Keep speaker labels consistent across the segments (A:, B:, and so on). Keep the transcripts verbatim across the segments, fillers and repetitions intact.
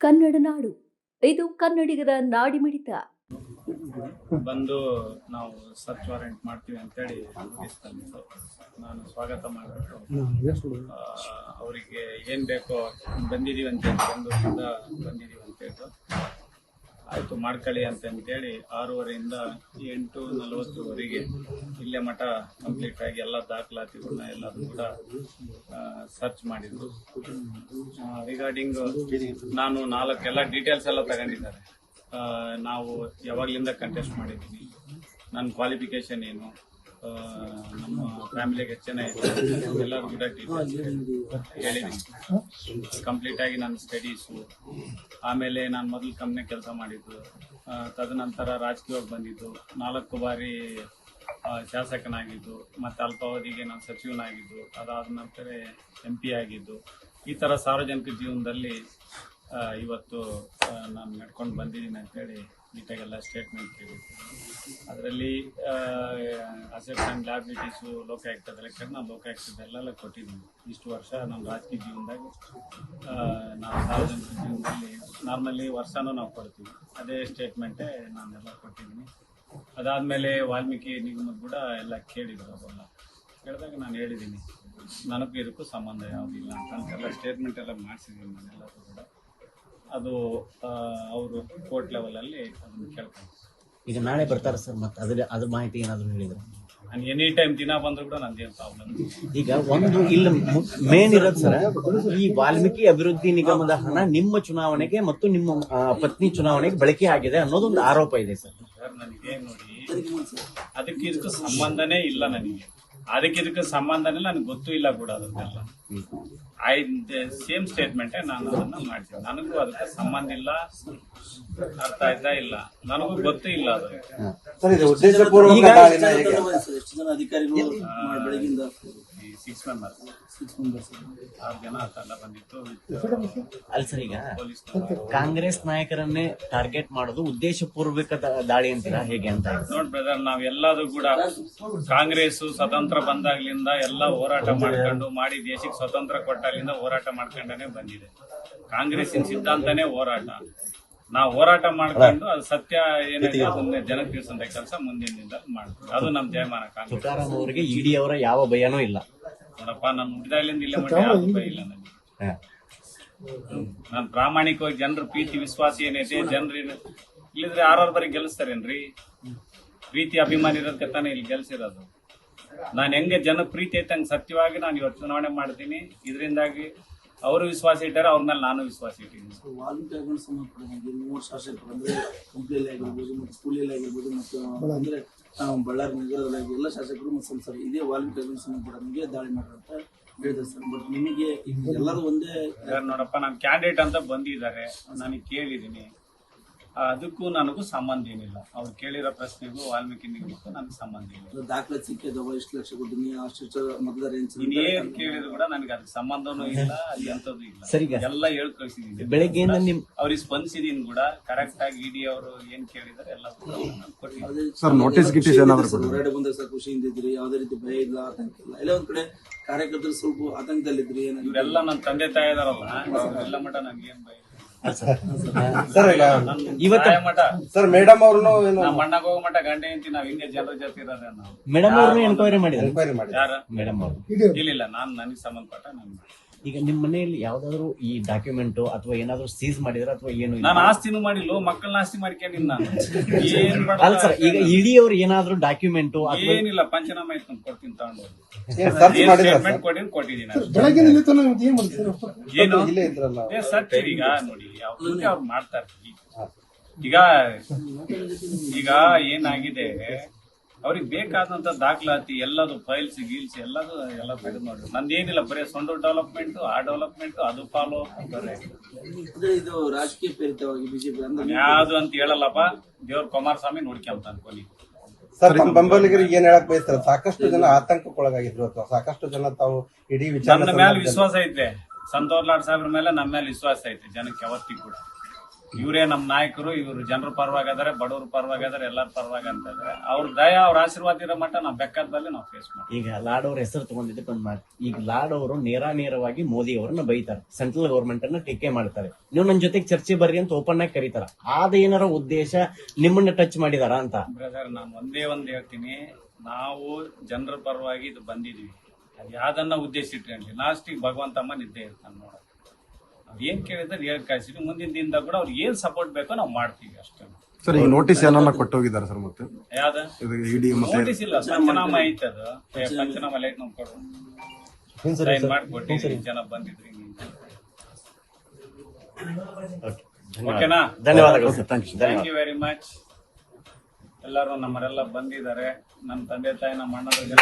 A: ಕನ್ನಡ ನಾಡು, ಇದು ಕನ್ನಡಿಗರ ನಾಡಿಮಿಡಿತ.
B: ಬಂದು ನಾವು ಸರ್ಚ್ ವಾರೆಂಟ್ ಮಾಡ್ತೀವಿ ಅಂತೇಳಿ ನೋಟಿಸ್ ತಂದಿದ್ದು ನಾನು ಸ್ವಾಗತ ಮಾಡಿಬಿಟ್ಟು ಅವರಿಗೆ ಏನು ಬೇಕೋ ಬಂದಿದ್ದೀವಿ ಅಂತೇಳಿ ಬೆಂಗಳೂರಿಂದ ಬಂದಿದ್ದೀವಿ ಅಂತೇಳಿ ಆಯಿತು ಮಾಡ್ಕೊಳ್ಳಿ ಅಂತಂತೇಳಿ ಆರೂವರೆಯಿಂದ ಎಂಟು ನಲವತ್ತುವರೆಗೆ ಇಲ್ಲೇ ಮಠ ಕಂಪ್ಲೀಟ್ ಆಗಿ ಎಲ್ಲ ದಾಖಲಾತಿಗಳನ್ನ ಎಲ್ಲರೂ ಕೂಡ ಸರ್ಚ್ ಮಾಡಿದ್ರು. ರಿಗಾರ್ಡಿಂಗ್ ನಾನು ನಾಲ್ಕು ಎಲ್ಲ ಡೀಟೇಲ್ಸ್ ಎಲ್ಲ ತಗೊಂಡಿದ್ದಾರೆ. ನಾವು ಯಾವಾಗಲಿಂದ ಕಂಟೆಸ್ಟ್ ಮಾಡಿದ್ದೀನಿ, ನನ್ನ ಕ್ವಾಲಿಫಿಕೇಶನ್ ಏನು, ನಮ್ಮ ಫ್ಯಾಮಿಲಿಗೆ ಎಷ್ಟು ಜನ ಇದೆ ಎಲ್ಲರೂ ಕೂಡ ಡೀಟೇಲ್ಸ್ ಹೇಳಿದ್ದೀನಿ. ಕಂಪ್ಲೀಟಾಗಿ ನನ್ನ ಸ್ಟಡೀಸು, ಆಮೇಲೆ ನಾನು ಮೊದಲು ಕಂಪ್ನಿ ಕೆಲಸ ಮಾಡಿದ್ದು, ತದನಂತರ ರಾಜಕೀಯವಾಗಿ ಬಂದಿದ್ದು, ನಾಲ್ಕು ಬಾರಿ ಶಾಸಕನಾಗಿದ್ದು, ಮತ್ತು ಅಲ್ಪಾವಧಿಗೆ ನಾನು ಸಚಿವನಾಗಿದ್ದು, ಅದಾದ ನಂತರ ಎಂ ಪಿ ಆಗಿದ್ದು, ಈ ಥರ ಸಾರ್ವಜನಿಕ ಜೀವನದಲ್ಲಿ ಇವತ್ತು ನಾನು ನಡ್ಕೊಂಡು ಬಂದಿದ್ದೀನಿ ಅಂತೇಳಿ ನೀಟಾಗೆಲ್ಲ ಸ್ಟೇಟ್ಮೆಂಟ್ ಕೇಳಿದ್ದು. ಅದರಲ್ಲಿ ಅಸೆಟ್ಸ್ ಆ್ಯಂಡ್ ಲ್ಯಾಬಿಲಿಟೀಸು ಲೋಕಾಯುಕ್ತ ಲೆಕ್ಕ ನಾನು ಲೋಕಾಯುಕ್ತದಲ್ಲೆಲ್ಲ ಕೊಟ್ಟಿದ್ದೀನಿ. ಇಷ್ಟು ವರ್ಷ ನಮ್ಮ ರಾಜಕೀಯ ಜೀವನದಾಗ ನಾವು ಸಾರ್ವಜನಿಕ ಜೀವನದಲ್ಲಿ ನಾರ್ಮಲಿ ವರ್ಷನೂ ನಾವು ಕೊಡ್ತೀವಿ, ಅದೇ ಸ್ಟೇಟ್ಮೆಂಟೇ ನಾನೆಲ್ಲ ಕೊಟ್ಟಿದ್ದೀನಿ. ಅದಾದಮೇಲೆ ವಾಲ್ಮೀಕಿ ನಿಗಮದ ಕೂಡ ಎಲ್ಲ ಕೇಳಿದ್ರು. ಅವೆಲ್ಲ ಕೇಳಿದಾಗ ನಾನು ಹೇಳಿದ್ದೀನಿ ನನಗೂ ಇದಕ್ಕೂ ಸಂಬಂಧ ಯಾವುದಿಲ್ಲ ಅಂತಂತೆಲ್ಲ ಸ್ಟೇಟ್ಮೆಂಟ್ ಎಲ್ಲ ಮಾಡಿಸಿದ್ದೀನಿ ನಾನೆಲ್ಲರೂ ಕೂಡ. ಅದು ಅವರು ಕೋರ್ಟ್ ಲೆವೆಲಲ್ಲಿ ಅದನ್ನು ಕೇಳ್ಕೊಂಡು
C: ಈಗ ನಾಳೆ ಬರ್ತಾರೆ ಸರ್, ಮತ್ತೆ ಅದ್ರ ಅದ್ರ ಮಾಹಿತಿ ಏನಾದರೂ ಹೇಳಿದ್ರು?
B: ನಾನು ಎನಿ ಟೈಮ್ ದಿನ ಬಂದರೂ ಕೂಡ ನಂದೇನು ಪ್ರಾಬ್ಲಮ್.
C: ಈಗ ಒಂದು ಇಲ್ಲಿ ಮೇನ್ ಇರೋದು ಸರ್, ಈ ವಾಲ್ಮೀಕಿ ಅಭಿವೃದ್ಧಿ ನಿಗಮದ ಹಣ ನಿಮ್ಮ ಚುನಾವಣೆಗೆ ಮತ್ತು ನಿಮ್ಮ ಪತ್ನಿ ಚುನಾವಣೆಗೆ ಬಳಕೆ ಆಗಿದೆ ಅನ್ನೋದೊಂದು ಆರೋಪ ಇದೆ ಸರ್.
B: ಸರ್ ನನಗೆ ನೋಡಿ, ಅದಕ್ಕೆ ಇದಕ್ಕೂ ಸಂಬಂಧನೇ ಇಲ್ಲ. ನನಗೆ ಅದಕ್ಕೆ ಇದಕ್ಕೆ ಸಂಬಂಧನೇ ನನಗೆ ಗೊತ್ತೂ ಇಲ್ಲ ಕೂಡ. ಅದನ್ನೆಲ್ಲ ಐ ಸೇಮ್ ಸ್ಟೇಟ್ಮೆಂಟೇ ನಾನು ಅದನ್ನ ಮಾಡ್ತೀನಿ. ನನಗೂ ಅದಕ್ಕೆ ಸಂಬಂಧ ಇಲ್ಲ, ಅರ್ಥ ಆಯ್ತಾ ಇಲ್ಲ, ನನಗೂ ಗೊತ್ತೂ ಇಲ್ಲ ಅದು. ಸಿಕ್ಸ್ ಮೆಂಬರ್ಸ್ ಆರು ಜನ ಅಲ್ಲ ಬಂದಿತ್ತು.
C: ಅಲ್ಲ ಸರ್, ಈಗ ಕಾಂಗ್ರೆಸ್ ನಾಯಕರನ್ನೇ ಟಾರ್ಗೆಟ್ ಮಾಡೋದು ಉದ್ದೇಶ ಪೂರ್ವಕ ದಾಳಿ ಅಂತೀರಾ ಹೇಗೆ ಅಂತ?
B: ನೋಡ್ ಬ್ರದರ್, ನಾವ್ ಎಲ್ಲದೂ ಕೂಡ ಕಾಂಗ್ರೆಸ್ ಸ್ವತಂತ್ರ ಬಂದಾಗ್ಲಿಂದ ಎಲ್ಲ ಹೋರಾಟ ಮಾಡ್ಕೊಂಡು ಮಾಡಿ ದೇಶಕ್ಕೆ ಸ್ವತಂತ್ರ ಕೊಟ್ಟಾಗ್ಲಿಂದ ಹೋರಾಟ ಮಾಡ್ಕೊಂಡೇ ಬಂದಿದೆ. ಕಾಂಗ್ರೆಸ್ಸಿನ ಸಿದ್ಧಾಂತನೇ ಹೋರಾಟ. ನಾವು ಹೋರಾಟ ಮಾಡ್ಕೊಂಡು ಅದು ಸತ್ಯ ಏನಿದೆ ಅದನ್ನ ಜನಕ್ಕೆ ತಿಳಿಸಂತ ಕೆಲಸ ಮುಂದಿನಿಂದ ಮಾಡ್ತೀವಿ. ಅದು ನಮ್ ಜಯಮಾನ. ಕಾಂಗ್ರೆಸ್
C: ತುಕಾರಾಂ ಅವರಿಗೆ ಇಡಿ ಅವರ ಯಾವ ಭಯನೂ ಇಲ್ಲ.
B: ನೋಡಪ್ಪ, ನಾನು ಹುಟ್ಟಿದಾಗ್ಲಿಂದ ಇಲ್ಲೇ ಮಟ್ಟ ಯಾವ ಭಯ ಇಲ್ಲ ನನಗೆ. ನಾನು ಪ್ರಾಮಾಣಿಕವಾಗಿ ಜನರ ಪ್ರೀತಿ ವಿಶ್ವಾಸ ಏನೈತೆ, ಜನರು ಇಲ್ಲಿದ್ರೆ ಆರಾರು ಬರೀ ಗೆಲ್ಲಿಸ್ತಾರೇನ್ರಿ? ಪ್ರೀತಿ ಅಭಿಮಾನಿ ಇರೋದಕ್ಕೆ ತಾನೇ ಇಲ್ಲಿ ಗೆಲ್ಸಿರೋದು. ನಾನು ಹೆಂಗೆ ಜನ ಪ್ರೀತಿ ಐತೆ ಹಂಗೆ ಸತ್ಯವಾಗಿ ನಾನು ಇವತ್ತು ಚುನಾವಣೆ ಮಾಡ್ತೀನಿ. ಇದರಿಂದಾಗಿ ಅವರು ವಿಶ್ವಾಸ ಇಟ್ಟಾರೆ, ಅವ್ರ ಮೇಲೆ ನಾನು ವಿಶ್ವಾಸ ಇಟ್ಟಿದ್ದೀನಿ.
D: ವಾಲ್ಮೀಕಿ ಸಂಬಂಧಪಟ್ಟ ಮೂರು ಶಾಸಕರು ಅಂದ್ರೆ ಕಂಪ್ಲಿಯಲ್ಲಿ ಆಗಿರ್ಬೋದು ಮತ್ತು ಸ್ಕೂಲಲ್ಲಿ ಆಗಿರ್ಬೋದು ಮತ್ತು ಅಂದ್ರೆ ಬಳ್ಳಾರಿ ನಗರದಲ್ಲಿ ಎಲ್ಲ ಶಾಸಕರು ಮತ್ತು ಸಂಸದರು ಇದೇ ವಾಲ್ಮೀಕಿ ಸಂಬಂಧಪಟ್ಟ ದಾಳಿ ಮಾಡ್ರಂತ ಹೇಳಿದ್ರು ಸರ್. ಬಟ್ ನಿಮಗೆ ಎಲ್ಲರೂ ಒಂದೇ
B: ನೋಡಪ್ಪ, ನಾನು ಕ್ಯಾಂಡಿಡೇಟ್ ಅಂತ ಬಂದಿದ್ದಾರೆ, ನನಗೆ ಕೇಳಿದ್ದೀನಿ. ಅದಕ್ಕೂ ನನಗೂ ಸಂಬಂಧ ಏನಿಲ್ಲ. ಅವ್ರು ಕೇಳಿರೋ ಪ್ರಶ್ನೆಗೂ ವಾಲ್ಮೀಕಿ ನಿಗಮಕ್ಕೂ ನನಗೆ ಸಂಬಂಧ ಇಲ್ಲ.
D: ದಾಖಲೆ ಸಿಕ್ಕಿದವ ಇಷ್ಟು ಲಕ್ಷ ಕೊಡ್ತೀನಿ, ಅಷ್ಟು ಮತದಾರ
B: ಏನ್ ಕೇಳಿದ್ರು ಕೂಡ ನನಗೆ ಅದಕ್ಕೆ ಸಂಬಂಧನೂ ಇಲ್ಲ, ಎಂತದ್ದು ಇಲ್ಲ. ಎಲ್ಲ ಹೇಳ್ ಕಳಿಸಿದೀನಿ.
C: ಬೆಳಗ್ಗೆ
B: ಅವ್ರಿಗೆ ಸ್ಪಂದಿಸಿದೀನಿ ಕೂಡ ಕರೆಕ್ಟ್ ಆಗಿ. ಇಡಿ ಅವರು ಏನ್ ಕೇಳಿದಾರೆ ಎಲ್ಲ
D: ಹೊರಗಡೆ ಬಂದಾಗ ಸರ್ ಖುಷಿಯಿಂದ ಇದ್ರಿ, ಯಾವ್ದೇ ರೀತಿ ಭಯ ಇಲ್ಲ, ಆತಂಕ ಇಲ್ಲ. ಎಲ್ಲ ಒಂದ್ ಕಡೆ ಕಾರ್ಯಕರ್ತರು ಸ್ವಲ್ಪ ಆತಂಕದಲ್ಲಿದ್ರಿ.
B: ಇವರೆಲ್ಲ ನನ್ನ ತಂದೆ ತಾಯಿ ಇದಾರಲ್ಲ, ಎಲ್ಲ ಮಠ ನನ್ಗೆ ಏನ್ ಭಯ.
E: ಸರ್ ಮೇಡಮ್ ಅವ್ರನ್ನು
B: ನಮ್ಮ ಅಣ್ಣಗ ಹೋಗೋ ಮಠ ಗಂಟೆ ಅಂತಿ ನಾವ್ ಹಿಂಗೆ ಜನರ ಜೊತೆ ಇರೋದೇ. ನಾವು
C: ಮೇಡಮ್ ಅವ್ರನ್ನು ಎನ್ಕ್ವೈರಿ ಮಾಡಿದ್ರು.
B: ಯಾರ
C: ಮೇಡಮ್ ಅವರು
B: ಇಲ್ಲ, ನಾನು ನನಗೆ ಸಂಬಂಧಪಟ್ಟ ನಾನು.
C: ಈಗ ನಿಮ್ಮ ಮನೆಯಲ್ಲಿ ಯಾವ್ದಾದ್ರು ಈ ಡಾಕ್ಯುಮೆಂಟ್ ಅಥವಾ ಏನಾದ್ರು ಸೀಸ್ ಮಾಡಿದ್ರೆ ಅಥವಾ ಏನು?
B: ನಾನು ಆಸ್ತಿನೂ ಮಾಡಿಲ್ಲ, ಮಕ್ಕಳನ್ನ ಆಸ್ತಿ ಮಾಡ್ಕೊಂಡಿಲ್ಲ ನಾನು. ಏನ್
C: ಅಲ್ಲ ಸರ್, ಈಗ ಇಡಿ ಅವ್ರು ಏನಾದ್ರು ಡಾಕ್ಯುಮೆಂಟ್
B: ಏನಿಲ್ಲ, ಪಂಚನಾಮ ಐತ್ ಕೊಡ್ತೀನಿ ತಗೊಂಡು ಸ್ಟೇಟ್ಮೆಂಟ್ ಕೊಟ್ಟಿನಿ ಕೊಟ್ಟಿದ್ದೀನಿ. ಏನು ಸರ್, ಈಗ ನೋಡಿ ಅವ್ರು ಮಾಡ್ತಾರೆ. ಈಗ ಈಗ ಏನಾಗಿದೆ, ಅವ್ರಿಗೆ ಬೇಕಾದಂತ ದಾಖಲಾತಿ ಎಲ್ಲದು ಫೈಲ್ಸ್ ಗೀಲ್ಸ್ ಎಲ್ಲದು ಎಲ್ಲ ತೆಗೆದು ನೋಡ್ರಿ. ನಂದೇನಿಲ್ಲ, ಬರೀ ಸೊಂಡು ಡೆವಲಪ್ಮೆಂಟ್, ಆ ಡೆವಲಪ್ಮೆಂಟ್, ಅದು ಫಾಲೋ ಬರೇ
D: ಇದು ರಾಜಕೀಯ ಪ್ರೇರಿತವಾಗಿ ಬಿಜೆಪಿ
B: ಯಾವ್ದು ಅಂತ ಹೇಳಲ್ಲಪ್ಪ. ದೇವ್ರ ಕುಮಾರಸ್ವಾಮಿ ನೋಡ್ಕೊಂತ ಅನ್ಕೊನಿ.
E: ಸರ್, ನಮ್ಮ ಬೆಂಬಲಿಗರಿಗೆ ಏನ್ ಹೇಳಕ್ ಬಯಸ್ತಾರೆ? ಸಾಕಷ್ಟು ಜನ ಆತಂಕಕ್ಕೊಳಗಾಗಿದ್ರು ಅಥವಾ ಸಾಕಷ್ಟು ಜನ ತಾವು ಇಡೀ ವಿಚಾರ
B: ನನ್ನ ಮೇಲೆ ವಿಶ್ವಾಸ ಐತೆ. ಸಂತೋಷ್ ಲಾಡ್ ಸಾಹೇಬ್ರ ಮೇಲೆ ನಮ್ಮ ಮೇಲೆ ವಿಶ್ವಾಸ ಐತೆ ಜನಕ್ಕೆ ಯಾವತ್ತಿಗೂ ಕೂಡ. ಇವರೇ ನಮ್ಮ ನಾಯಕರು, ಇವರು ಜನರ ಪರವಾಗಿದ್ದಾರೆ, ಬಡವ್ರ ಪರವಾಗಿದ್ದಾರೆ, ಎಲ್ಲರ ಪರವಾಗಿ ಅಂತ ಇದಾರೆ. ಅವ್ರ ದಯ ಅವ್ರ ಆಶೀರ್ವಾದ ಇರೋ ಮಟ್ಟ ನಾವು ಬೆಕ್ಕದಲ್ಲಿ ನಾವು ಫೇಸ್ ಮಾಡ್ತೀವಿ.
C: ಈಗ ಲಾಡ್ ಅವ್ರ ಹೆಸರು ತಗೊಂಡಿದ್ದಕ್ಕೆ ಒಂದು ಮಾತು, ಈಗ ಲಾಡ್ ಅವರು ನೇರ ನೇರವಾಗಿ ಮೋದಿ ಅವರನ್ನ ಬೈತಾರೆ, ಸೆಂಟ್ರಲ್ ಗವರ್ಮೆಂಟ್ ಅನ್ನ ಟೀಕೆ ಮಾಡ್ತಾರೆ. ನೀವು ನನ್ನ ಜೊತೆಗೆ ಚರ್ಚೆ ಬರ್ರಿ ಅಂತ ಓಪನ್ ಆಗಿ ಕರೀತಾರ. ಅದೇನಾರ ಉದ್ದೇಶ ನಿಮ್ಮನ್ನ ಟಚ್ ಮಾಡಿದಾರ ಅಂತ?
B: ಬ್ರದರ್, ನಾನು ಒಂದೇ ಒಂದ್ ಹೇಳ್ತೀನಿ, ನಾವು ಜನರ ಪರವಾಗಿ ಇದು ಬಂದಿದೀವಿ. ಅದು ಯಾವ್ದನ್ನ ಉದ್ದೇಶ ಇಟ್ಕೊಂಡ್ವಿ, ಲಾಸ್ಟಿಗೆ ಭಗವಂತಮ್ಮ ನಿದ್ದೆ ಇರ್ತಾನೆ ನೋಡ. ನಾವ್ ಏನ್ ಕೇಳಿದ್ರೆ ಹೇಳಿ ಕಳ್ಸಿದ್ವಿ. ಮುಂದಿನ ದಿನದಾಗ ಕೂಡ ಅವ್ರಿಗೆ ಏನ್ ಸಪೋರ್ಟ್ ಬೇಕೋ ನಾವು ಮಾಡ್ತೀವಿ ಅಷ್ಟೇ.
F: ಸರ್ ಈಗ ನೋಟಿಸ್ ಏನನ್ನ ಕೊಟ್ಟೋಗಿದ್ದಾರೆ ಸರ್? ಮತ್ತೆ
B: ಯಾವ್ದ
F: ಇಡಿ ಮತ್ತೆ
B: ನೋಟಿಸ್ ಇಲ್ಲ, ಪಂಚನಾಮ ಐತೆ. ಅದು ಏ, ಪಂಚನಾಮ ಲೈಟ್ ನಾವು ಕೊಡು, ಸೈನ್ ಮಾಡ್ಕೊಟ್ಟಿದ್ರಿ, ಜನ ಬಂದಿದ್ರಿ. ಓಕೆನಾ?
C: ಧನ್ಯವಾದಗಳು sir. Thank you.
B: Thank you very much. ಎಲ್ಲರೂ ನಮ್ಮರೆಲ್ಲ ಬಂದಿದ್ದಾರೆ. ನನ್ನ ತಂದೆ ತಾಯಿ, ನಮ್ಮ ಅಣ್ಣದವ್ರಿಗೆಲ್ಲ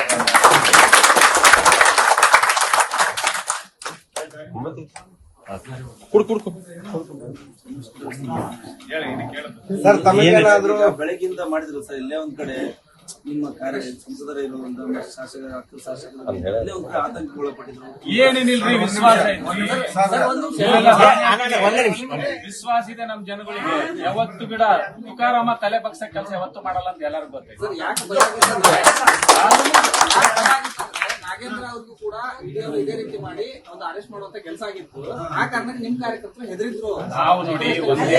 B: ಹೇಳಿ, ಇದು ಕೇಳಿದ್ರು.
E: ಸರ್ ತಮಗೇನಾದ್ರೂ
D: ಬೆಳಗ್ಗಿಂದ ಮಾಡಿದ್ರು ಸರ್. ಇಲ್ಲೇ ಒಂದ್ ಕಡೆ ನಿಮ್ಮ ಕಾರ್ಯ ಸಂಸದರ ಇರುವಂತ ಶಾಸಕ ಅಕ್ಕ ಶಾಸಕರು ಇಲ್ಲೇ ಒಂದ್ ಕಡೆ ಆತಂಕಗೊಳಪಟ್ಟಿದ್ರು.
B: ಏನೇನಿಲ್ರಿ, ವಿಶ್ವಾಸ ಐತಿ.
C: ಒಂದೇ ನಿಮಿಷ.
B: ವಿಶ್ವಾಸ ಇದೆ ನಮ್ ಜನಗಳಿಗೆ. ಯಾವತ್ತು ಗಿಡ ತುಕಾರಾಮ ತಲೆ ಬಗ್ಸ ಕೆಲಸ ಯಾವತ್ತು ಮಾಡಲ್ಲ ಅಂತ ಎಲ್ಲರಿಗೂ ಗೊತ್ತೈತಿ.
G: ನಾಗೇಂದ್ರ ಅವ್ರಿಗೂ ಕೂಡ ಇದೇ ರೀತಿ ಮಾಡಿ ಒಂದು ಅರೆಸ್ಟ್ ಮಾಡುವಂತ ಕೆಲಸ ಆಗಿತ್ತು. ಆ ಕಾರಣಕ್ಕೆ ನಿಮ್ ಕಾರ್ಯಕರ್ತರು ಹೆದರಿದ್ರು.
B: ನಾವು ನೋಡಿ ಒಂದೇ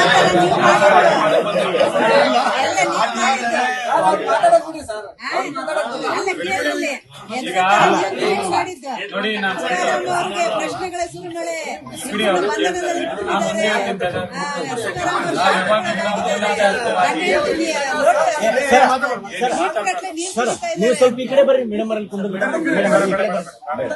B: ನೋಡಿ ನಾನು
H: ಪ್ರಶ್ನೆಗಳ ಸುರುಮಳೆ
B: ಬಿಡಿ, ಅವ್ರು ಕೇಳ್ತಾರೆ. ನಾನು ಒಂದೇ ಹೇಳ್ತೀನಿ brother. ನಾವು
C: ಸರ್ ನೀವು ಸ್ವಲ್ಪ ಈ ಕಡೆ ಬರ್ರಿ, ಮೇಡಮ್ ಅಲ್ಲಿ ಕುಂದ್ರು. ಮೇಡಮ್ ಈ ಕಡೆ ಬರ್ರಿ.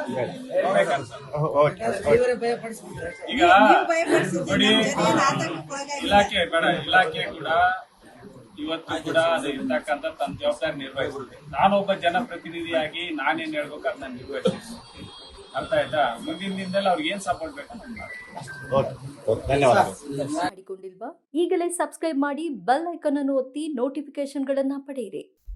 B: ಈಗ ನೋಡಿ, ಇಲಾಖೆ ಬೇಡ, ಇಲಾಖೆ ಕೂಡ ಇವತ್ತು ಕೂಡ ಅದು ಇರ್ತಕ್ಕಂಥ ತನ್ನ ಜವಾಬ್ದಾರಿ ನಿರ್ವಹಿಸಿದೆ. ನಾನೊಬ್ಬ ಜನಪ್ರತಿನಿಧಿಯಾಗಿ ನಾನೇನ್ ಹೇಳ್ಬೇಕು ಅದು ನಾನು ನಿರ್ವಹಿಸ್ತೀನಿ. ಅರ್ಥ ಆಯ್ತಾ? ಮುಂದಿನ ದಿನದಲ್ಲಿ ಅವ್ರಿಗೆ ಏನ್ ಸಪೋರ್ಟ್ ಬೇಕು ಅಂತ ಮಾಡ್ತೀನಿ.
C: ಧನ್ಯವಾದಗಳು.
A: ಮಾಡಿಕೊಂಡಿಲ್ವಾ? ಈಗಲೇ ಸಬ್ಸ್ಕ್ರೈಬ್ ಮಾಡಿ ಬೆಲ್ ಐಕಾನ್ ಅನ್ನು ಒತ್ತಿ ನೋಟಿಫಿಕೇಶನ್ಗಳನ್ನ ಪಡೆಯಿರಿ.